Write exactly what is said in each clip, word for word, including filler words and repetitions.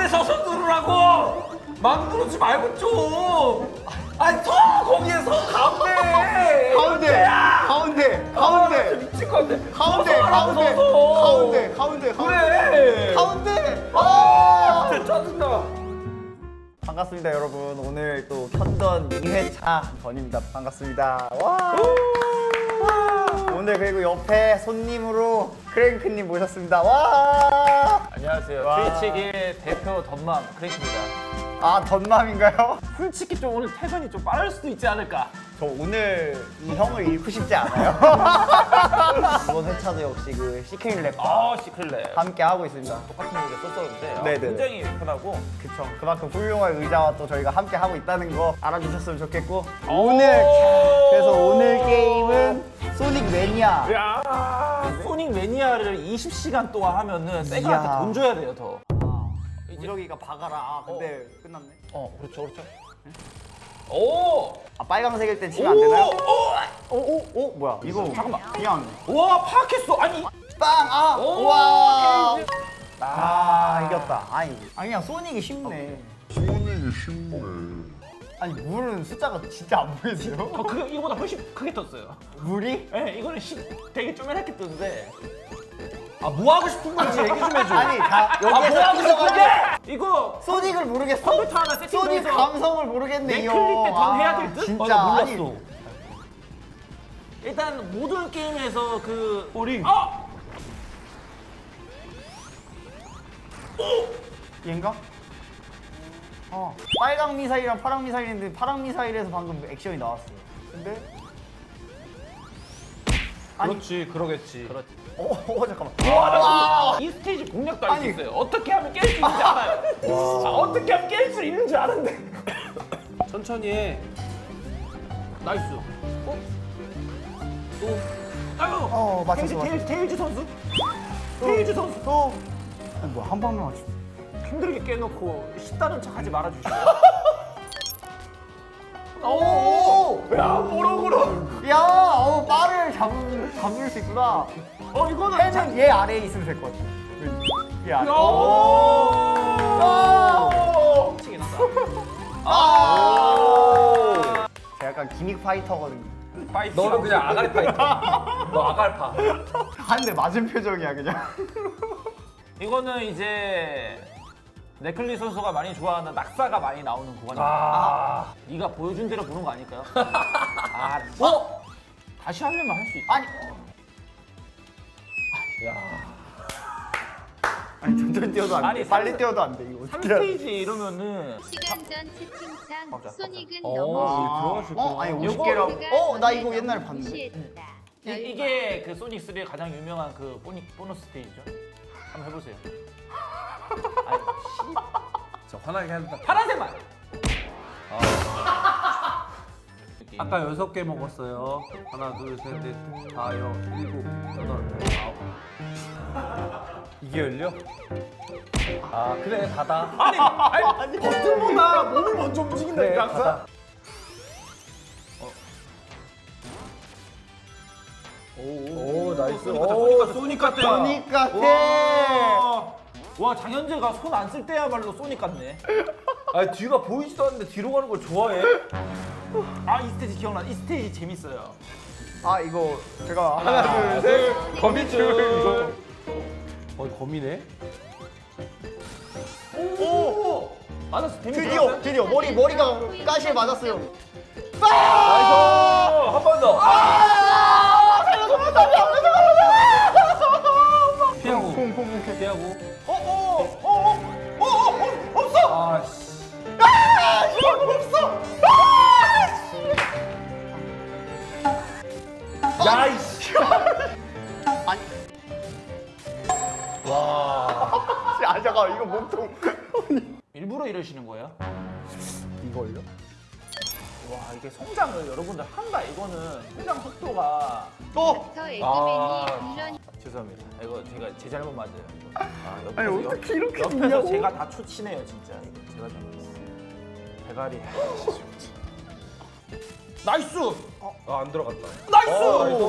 가운데 서서 누르라고. 막 누르지 말고 좀. 아니 서 거기에 서 가운데. 가운데 가운데 가운데 미칠 건데. 가운데 서서 하라고, 가운데 서서. 가운데 가운데 그래. 가운데 아 진짜 짜증나. 반갑습니다 여러분. 오늘 또 편던 이 회차 전입니다. 반갑습니다. 와 오늘 그리고 옆에 손님으로 크랭크님 모셨습니다. 와 안녕하세요. 와. 트위치기의 대표 덤맘 크랭크입니다. 아, 덧맘인가요? 솔직히 좀 오늘 퇴근이 좀 빠를 수도 있지 않을까? 저 오늘 이 형을 잃고 싶지 않아요. 이번 회차도 역시 그 시크릿 랩과 아 시클레. 함께 하고 있습니다. 똑같은 얘기 썼었는데 아, 네네네. 굉장히 편하고. 그쵸. 그만큼 훌륭한 의자와 또 저희가 함께 하고 있다는 거 알아주셨으면 좋겠고 오! 오늘 그래서 오늘 게임은 소닉 매니아. 야 소닉 매니아를 이십 시간 동안 하면은 세가한테 이야. 돈 줘야 돼요 더. 우석이가 박아라. 아 근데 끝났네. 어 그렇죠 그렇죠. 오! 아 빨강색일 땐 치면 안 되나요? 오! 오오 오, 뭐야 이거 잠깐만. 그냥 와 파악했어. 아니. 빵! 아! 오, 우와! 게임. 아 이겼다. 아니 아니 그냥 소닉이 쉽네. 소닉이 쉽네. 아니 물은 숫자가 진짜 안 보이세요? 어, 그거 이거보다 훨씬 크게 떴어요. 물이? 예, 이거는 시, 되게 쪼매랗게 떴는데. 아, 뭐 하고 싶은 건지 얘기 좀 해줘. 아니 다 아, 뭐 여기에서 하고 싶은 끼워가지고 게? 이거 소닉을 모르겠어? 컴퓨터 하나 세팅도 소닉 해서 감성을 모르겠네 내 이 클릭 형. 때던 해야 될 아, 듯? 진짜 어, 나 아니 몰랐어. 일단 모든 게임에서 그 우리 아! 얘인가? 어 빨강 미사일이랑 파랑 미사일인데 파랑 미사일에서 방금 액션이 나왔어요. 근데 아니. 그렇지, 그러겠지. 그렇지. 어, 어 잠깐만. 와, 이 스테이지 공략도 알 수 아니. 있어요. 어떻게 하면 깰 수 있는지 알아요. 아, 어떻게 하면 깰 수 있는지 아는데. 천천히 해. 나이스. 어? 또. 아유. 어, 맞췄어, 테일즈, 맞췄어. 테일즈, 테일즈 선수. 테일즈 선수. 또 어, 뭐야 한 방만 맞추. 힘들게 깨놓고 쉽다는 척 하지 말아주시고. 오! 야, 모르고로. 야, 어, 빠를 잡을 잡을 수 있구나. 어, 이거는. 해는 얘 아래에 있으면 될 것 같아. 얘 아래. 야. 오! 미치게 났다. 아! 제가 약간 기믹 파이터거든요. 파이터. 너는 그냥 아가리 파이터. 너 아갈파. 한 대 맞은 표정이야 그냥. 이거는 이제 네클리 선수가 많이 좋아하는 낙사가 많이 나오는 구간입니다. 아. 네가 보여준 대로 보는 거 아닐까요? 아, 어? 다시 하려면 할 수 있다. 아니. 야, 아니 천천히 뛰어도 안 돼. 아니, 빨리 삼- 뛰어도 안 돼. 이거 삼 어떻게 해야 돼? 스테이지 이러면은 시간 전 채팅창 맞아, 소닉은 맞아. 너무 아, 들어가실 어? 거야. 아니 요거- 오십 개라고. 어, 나 이거 옛날에 봤는데. 무시했다. 이, 이게 그 소닉 쓰리의 가장 유명한 그 보니, 보너스 스테이지죠. 한번 해보세요. 아니, 씨. 저 화나게 한다. 파란색만. 아까 여섯 개 먹었어요. 하나, 둘, 셋, 넷, 다, 여, 일곱, 여덟, 아홉. 이게 열려? 아 그래 다다. 아니, 아니, 버튼보다 몸이 먼저 움직인다니까 그래, 항상. 가다. 오, 나이스. 소닉 같다, 오, 소닉 같다, 소닉 같다. 소닉 같아. 와, 와 장현재가 손 안 쓸 때야말로 소닉 같네. 아니 뒤가 보이지도 않는데 뒤로 가는 걸 좋아해? 아 이 스테이지 기억나. 이 스테이지 재밌어요. 아 이거 제가 하나, 하나 둘 셋. 거미줄. 어 거미네. 오, 맞았어. 재밌어. 드디어 드디어 머리 머리가 가시에 맞았어요. 나이스. 한 번 더. 아! 살려줘 살려줘 피하고. 퐁퐁퐁 피하고. 어어어어어어 없어. 아씨. 아! 이거 없어. 아! 야 이씨. 아니. 와. 아 잠깐 이거 몸통. 일부러 이러시는 거예요? 이걸요? 와 이게 성장을 여러분들 한다. 이거는 성장 속도가. 또. 더 에그맨이 아. 물론 죄송합니다. 이거 제가 제 잘못 맞아요. 아, 옆에서, 아니, 어떻게 이렇게 옆에서 됐냐고. 제가 다 초치네요 진짜. 이거 제가 잘못했어요. 대가리. 나이스. 아, 안 들어갔다. 나이스. 어, 나이스.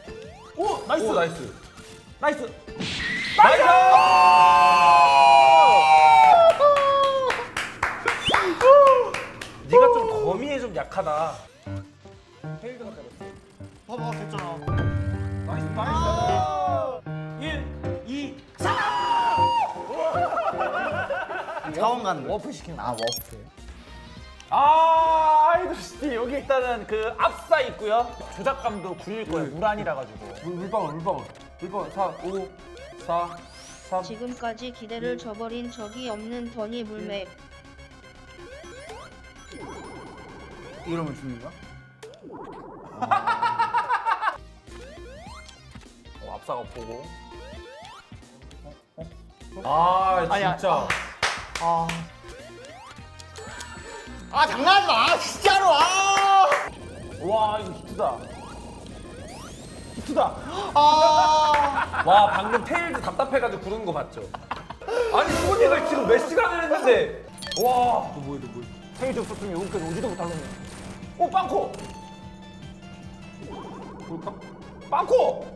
오 나이스. 오 나이스. 나이스. 나이스. 약하다. 테일즈가 때렸어. 봐봐 됐잖아. 나이스 나이스. 일, 이, 자원 가는 거. 워프 시키는 아 워프. 아, 아이돌시티 여기 일단은 그 압사 있고요. 조작감도 굴릴 거예요. 무란이라 가지고. 물, 물방울 물방울 물방울 사, 오, 사, 삼. 지금까지 기대를 저버린 적이 없는 더니 물맵. 이러면 죽는 거야? 어, 압사가 보고. 아 아니야. 진짜. 아. 아 장난하지 마 진짜로. 아. 와, 이거 히트다. 히트다. 아. 와 방금 테일즈 답답해가지고 구르는 거 봤죠? 아니 소닉을 지금 몇 시간을 했는데. 와. 너 뭐야 너 뭐야? 테이즈 없었으면 여기까지 오지도 못할 놈이야. 오, 빵코! 볼까? 빵코!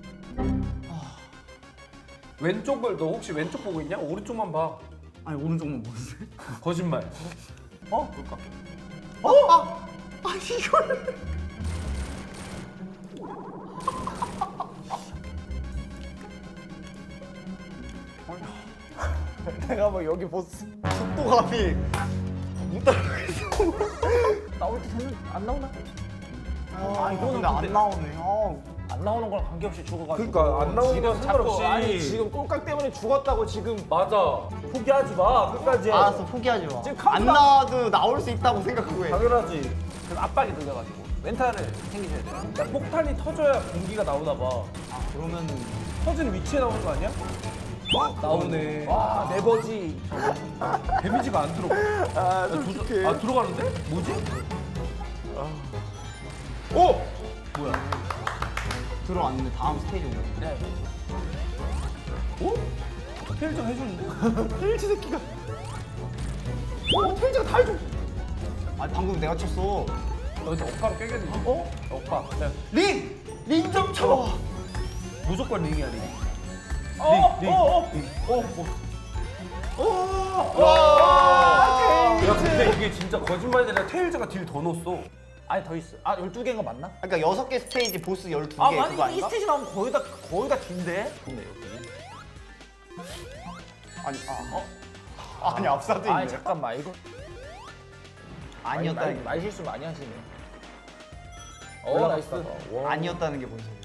왼쪽을 너 혹시 왼쪽 보고 있냐? 오른쪽만 봐. 아니 오른쪽만 보세요. 거짓말. 어? 볼까? 어? 아. 아니 이걸. 내가 뭐 여기 보스 속도감이 못 따라가겠어. 나올 때 되면 안 나오나? 아 이거는 근데 안 근데- 나오네. 아. 안 나오는 거랑 관계없이 죽어가지고. 그러니까 안 나오는 지금 건 상관없이. 자꾸, 아니 지금 꼴깍 때문에 죽었다고 지금 맞아. 포기하지 마. 끝까지. 알았어 포기하지 마. 지금 안 카운트다운- 나와도 나올 수 있다고 생각하고 해. 당연하지. 그 압박이 들려가지고 멘탈을 챙기셔야 돼요. 야, 폭탄이 터져야 공기가 나오나 봐. 아 그러면은 터진 위치에 나오는 거 아니야? 나오네. 와, 네버지. 데미지가 안 들어가. 아, 야, 두- 아 들어가는데? 뭐지? 오! 뭐야? 들어왔는데 다음 스테이지 오네. 네. 오? 테일즈가 해주는데? 테일즈 새끼가. 어, 테일즈가 다 해줘. 아니 방금 내가 쳤어. 여기서 억가로 깨겠는데? 어? 억가. 자, 링! 링 좀 쳐! 무조건 링이야 링. 어, 링, 링. 어, 어. 어, 어. 와, 야 근데 이게 진짜 거짓말이 아니라 테일즈가 딜 더 넣었어. 아니 더 있어. 아, 열두 개인 거 맞나? 그러니까 여섯 개 스테이지 보스 열두 개 아, 그거 만약 이 아닌가? 스테이지 나오면 거의 다 거의 다 긴데. 좋네 여기. 아니 아 어? 아니 압사도 있네. 아니 잠깐만 이거 아니었다는 게 말 실수 많이 하시네. 어, 올라갔어. 나이스. 와. 아니었다는 게 뭔 소리야?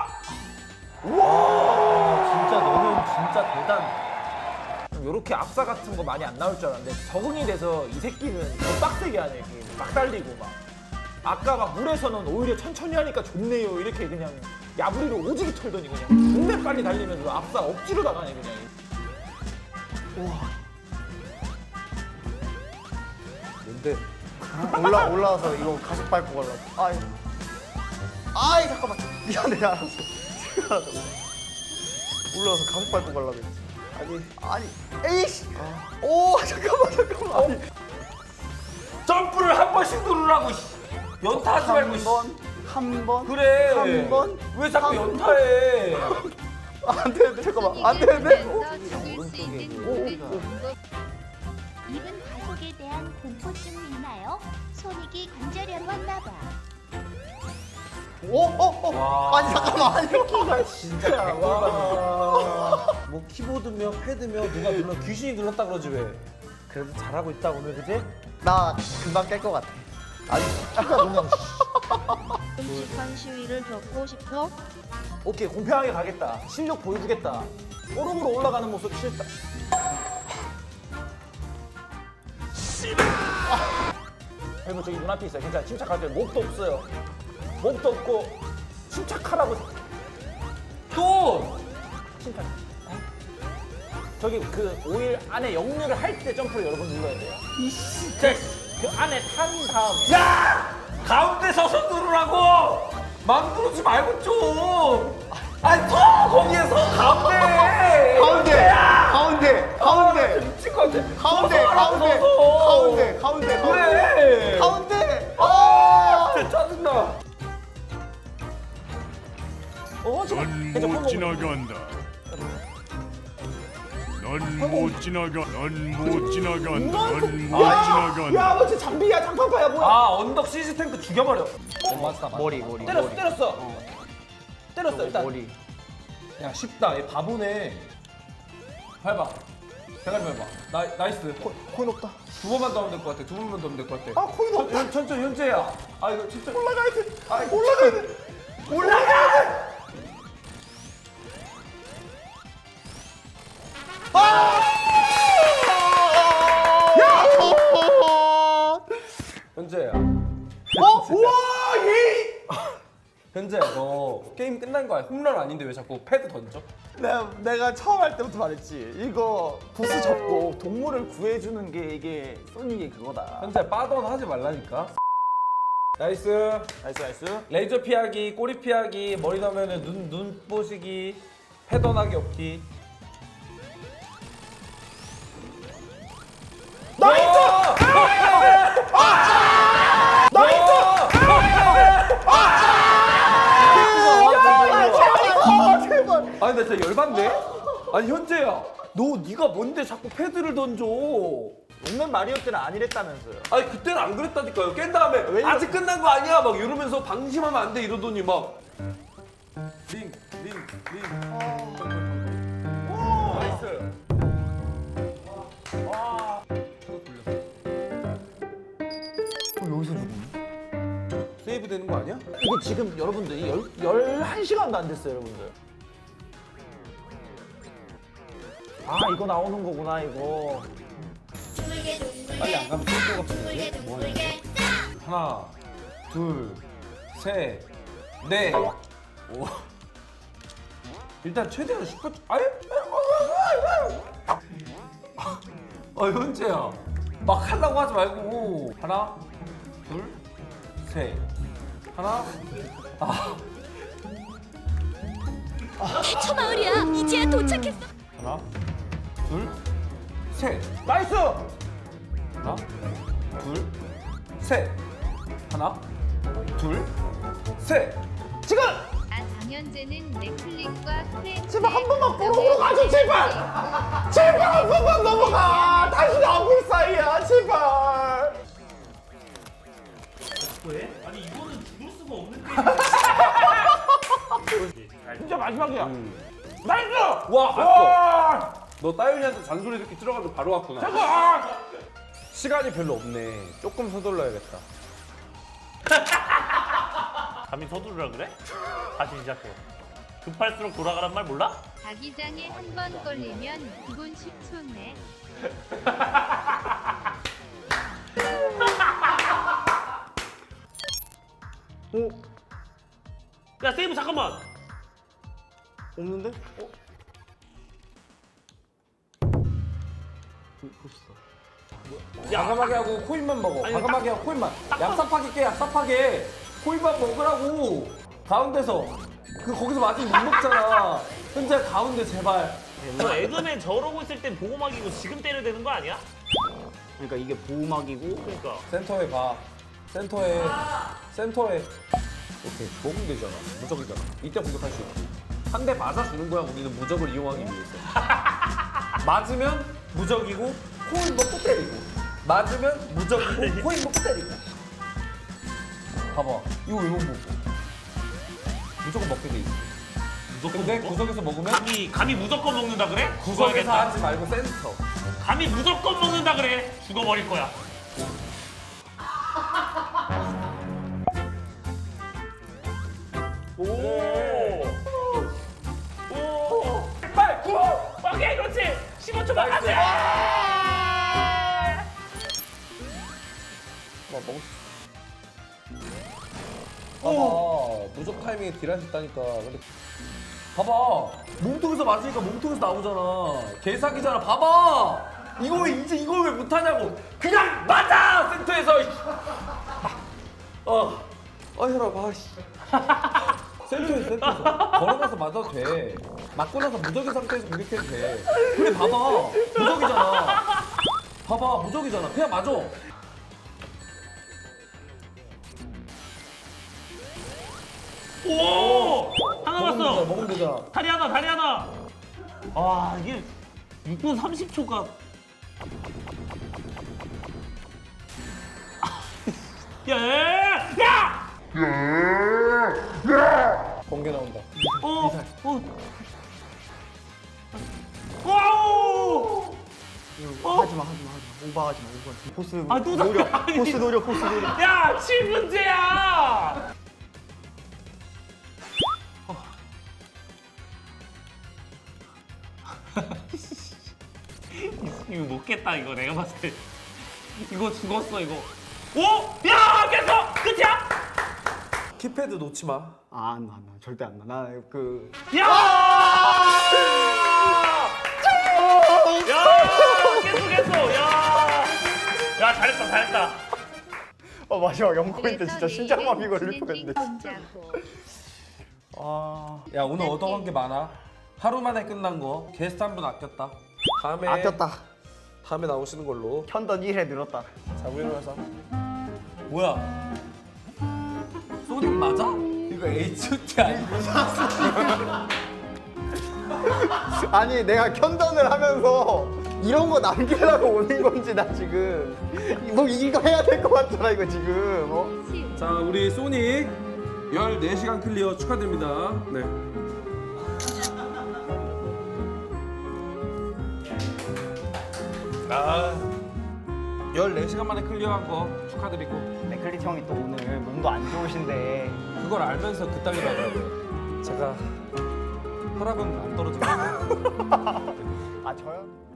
진짜 너는 진짜 대단. 요렇게 압사 같은 거 많이 안 나올 줄 알았는데 적응이 돼서 이 새끼는 더 빡세게 하네. 이렇게 막 달리고 막. 아까 막 물에서는 오히려 천천히 하니까 좋네요. 이렇게 그냥 야부리로 오지게 털더니 그냥 존내 빨리 달리면서 압사 억지로 나가네 그냥. 뭔데? 올라 올라와서 이거 가속 밟고 가려고. 아이 아이 잠깐만 미안해 알았어. 미안하다. 올라와서 가속 밟고 가려고 했지. 아니 아니 에이씨. 오 잠깐만 잠깐만. 아니 점프를 한 번씩 누르라고. 씨. 연타하지 말고. 씨. 한 번. 그래. 한 번. 왜 자꾸 한 연타해? 안 되는데 잠깐만 안 되는데. 보면서 죽을 수 있는 모든 방법. 입은 가속에 대한 공포증이 있나요? 소닉이 관절염 왔나봐. 오오오 와. 아니 잠깐만 아니 아, 진짜. 와. 뭐 키보드며 패드며 누가 눌러 귀신이 눌렀다 그러지 왜? 그래도 잘하고 있다 오늘 그지? 나 금방 깰 것 같아. 아니 키가 그냥. 끔찍한 시위를 겪고 싶어? 오케이 공평하게 가겠다. 실력 보여주겠다. 오름으로 올라가는 모습 싫다. 그리고 저기 눈앞에 있어요. 괜찮아. 침착하세요. 목도 없어요. 목도 없고 침착하라고. 또! 침착. 저기 그 오일 안에 역류를 할 때 점프를 여러 번 눌러야 돼요. 진짜. 그 안에 탄 다음에. 야! 가운데 서서 누르라고! 막 누르지 말고 좀! 아니 서! 거기에서 가운데! 가운데 가운데 가운데 미칠 것 같아. 가운데 서서 하라고, 가운데 서서. 가운데 가운데 그래! 가운데 아 진짜 짜증나. 어, 지금 넌 괜찮아, 못 phong 지나간다. 넌못 지나가. 넌못 지나가. 넌못 야, 지나가. 야, 뭐 진짜 장비야, 장판파야 뭐야? 아 언덕 시즈 탱크 죽여버려. 어, 맞다 맞다. 머리 머리 때렸어, 머리. 때렸어. 때렸어 일단. 머리. 야 쉽다. 얘 바보네. 밟아. 대가리 밟아. 나 나이스. 코인 없다. 두 번만 더 하면 될 것 같아. 두 번만 더 하면 될 것 같아. 아, 코인 없다. 천- 천천히 현재야. 아 이거 진짜 올라가야 돼. 아 올라가야 돼. 올라가야 돼. 현재야. 어? 우와, 예. 현재야 너 게임 끝난 거 아니야? 홈런 아닌데 왜 자꾸 패드 던져? 내가, 내가 처음 할 때부터 말했지. 이거 보스 잡고 동물을 구해주는 게 이게 소닉의 그거다. 현재 빠던 하지 말라니까. 나이스. 나이스 나이스. 레이저 피하기, 꼬리 피하기, 머리 넣으면 눈, 눈 보시기, 패던하기 없기. 나이스! 아니 나 진짜 열받네. 아니 현재야, 너 네가 뭔데 자꾸 패드를 던져? 용맨 마리오 때는 아니랬다면서요. 아니 그때는 안 그랬다니까요. 깬 다음에 왜 이러- 아직 끝난 거 아니야 막 이러면서 방심하면 안 돼 이러더니 막 링, 링, 링. 나이스. 여기서 죽었네. 세이브 되는 거 아니야? 이거 지금 여러분들 열, 열한 시간도 안 됐어요 여러분들. 아 이거 나오는 거구나 이거. 빨리 안 가면 쏠 것 같은데. 뭐 하냐? 하나, 둘, 셋, 넷, 오. 일단 최대한 슈퍼. 아예? 어 현재야, 막 하려고 하지 말고 하나, 둘, 셋, 하나, 아, 저 마을이야. 이제야 도착했어. 하나, 둘, 셋. 나이스! 하나, 둘, 셋. 하나, 둘, 셋. 지금! 아 장현재는 넷플릭과 프렌즈. 제발 한 번만 보러 가줘 제발! 제발 한 번만 넘어가! 다시 나올 사이야 제발! 왜? 아니 이거는 죽을 수가 없는 진짜 마지막이야. 나이스! 와, 갔어. 너 따윤이한테 잔소리 듣기 들어가서 바로 왔구나. 아! 시간이 별로 없네. 조금 서둘러야겠다. 감히 서두르라 그래? 다시 시작해. 급할수록 돌아가란 말 몰라? 자기장에 한 번 걸리면 기본 십 초네. 오 야 세이브 잠깐만. 없는데? 어? 과감하게 하고 코인만 먹어. 아니, 과감하게 하고 코인만. 얍삽하게 깨, 얍삽하게. 코인만 먹으라고. 가운데서. 그 거기서 맞으면 못 먹잖아. 현재 가운데 제발. 너 에그맨 저러고 있을 땐 보호막이고 지금 때려야 되는 거 아니야? 그러니까 이게 보호막이고 그러니까. 센터에 봐. 센터에. 센터에. 오케이. 먹으면 되잖아. 무적이잖아. 이때 공격할 수 있지. 한 대 맞아주는 거야. 우리는 무적을 이용하기 위해서. 맞으면 무적이고 코인 먹고 때리고. 맞으면 무적이고 코인 먹고 때리고. 봐봐. 이거 왜 못 먹어? 무조건 먹게 돼 있어. 무조건 근데 먹어? 구석에서 먹으면 감히 감히 무조건 먹는다 그래? 구석에서 죽어야겠다. 하지 말고 센터. 감히 무조건 먹는다 그래? 죽어버릴 거야. 오. 오. 빨리 구. 오케이 그렇지. 십오 초만 안 돼. 뭐 먹. 봐봐. 무적 타이밍에 딜하셨다니까. 근데 봐봐. 몸통에서 맞으니까 몸통에서 나오잖아. 개사기잖아. 봐봐. 이거 왜 이제 이걸 왜 못하냐고. 그냥 맞아 센터에서. 어. 아 혈압 아 씨. 센터에서 센터에서 걸어가서 맞아도 돼. 맞고 나서 무적인 상태에서 공격해도 돼. 그래 봐봐. 무적이잖아. 봐봐 무적이잖아. 그냥 맞아. 오. 하나 먹으면 되잖아. 났어. 먹으면 되잖아. 다리 하나 다리 하나. 아 이게 육 분 삼십 초가 야! 야! 야! 번개 나온다. 어! 어! 와우! 어? 하지마 하지마 하지마. 오버하지마 오버. 포스 아, 또 노려. 나- 아니. 포스 노려 포스 노려. 야! 칠 분째야! 이거 못 깼다 이거 내가 봤을 때 이거 죽었어 이거 오! 야! 깼어! 끝이야? 키패드 놓지 마. 아안 나, 안 나. 절대 안 나. 나그 야! 야! 깼어 깼어 야! 야 잘했다 잘했다 어 마지막 영 포인트 그래서 진짜 심장마비 내일은 걸릴 뻔했네. 진행된 진짜. 건자고. 아 야 오늘 얻어간 게 많아. 하루 만에 끝난 거. 게스트 한 분 아꼈다. 다음에 아꼈다. 다음에 나오시는 걸로. 편던 일 회 늘었다. 자 우리로 해서. 뭐야? 소닉 맞아? 이거 에이치오티 아니야? 아니 내가 편던을 하면서 이런 거 남기려고 오는 건지 나 지금 뭐 이거 해야 될 것 같잖아 이거 지금. 어? 자 우리 소닉 열네 시간 클리어 축하드립니다. 네. 아 열네 시간 만에 클리어한 거 축하드리고 네클릿 형이 또 오늘 몸도 안 좋으신데 그걸 알면서 그따위로 하더라고요. 제가 혈압은 안 떨어지고 아 저요?